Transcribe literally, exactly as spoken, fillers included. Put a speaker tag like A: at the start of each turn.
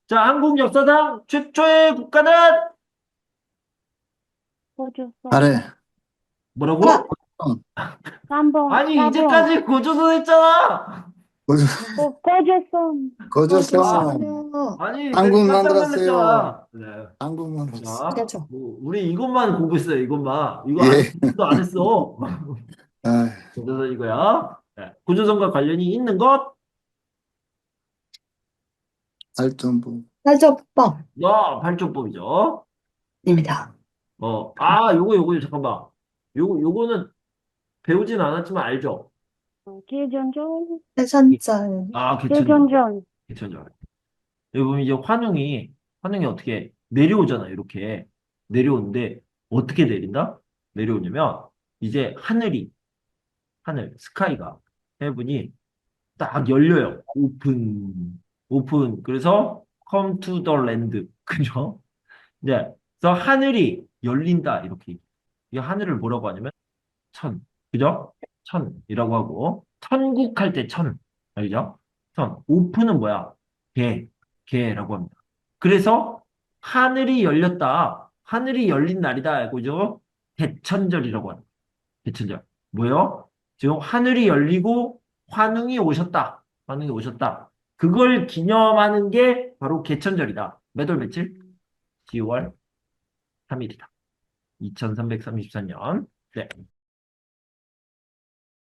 A: 자, 한국 역사상 최초의 국가는
B: 고조선.
C: 잘해.
A: 뭐라고?
C: 아, 어,
B: 삼 번,
A: 아니,
B: 사 번.
A: 이제까지 고조선 했잖아.
C: 거저,
B: 고, 고조선.
A: 아,
C: 거저성어.
B: 고조선이요.
A: 아니, 내가
C: 한국
A: 깜짝
C: 만들었어요.
A: 놀랐잖아. 네.
C: 한국 만들었어.
A: 자,
B: 그렇죠.
A: 뭐, 우리 이것만 보고 있어요, 이것만. 이거 안,
C: 예.
A: 도 안 했어.
C: 아,
A: 그래서 이거야. 네. 구조선과 관련이 있는 것?
C: 알전부.
B: 살점법입니다.
A: 너 발전법이죠. 어, 아, 요거, 요거, 잠깐만. 요거, 요거는 배우진 않았지만 알죠?
B: 기전전. 해산절.
A: 아, 개천절.
B: 기전전.
A: 개천절. 여기 보면 이제 환웅이, 환웅이 어떻게 내려오잖아, 이렇게. 내려오는데, 어떻게 내린다? 내려오냐면, 이제 하늘이, 하늘, 스카이가, 헤븐이 딱 열려요. 오픈, 오픈. 그래서, come to the land. 그죠? 이제, 그래서 하늘이 열린다, 이렇게. 이 하늘을 뭐라고 하냐면, 천. 그죠? 천이라고 하고, 천국할 때 천. 알죠? 천. 오픈은 뭐야? 개. 개라고 합니다. 그래서 하늘이 열렸다. 하늘이 열린 날이다. 그죠? 대천절이라고 합니다. 대천절. 뭐요? 지금 하늘이 열리고 환웅이 오셨다. 환웅이 오셨다. 그걸 기념하는 게 바로 개천절이다. 몇 월 며칠? 지월 삼 일이다. 이천삼백삼십사 년. 네.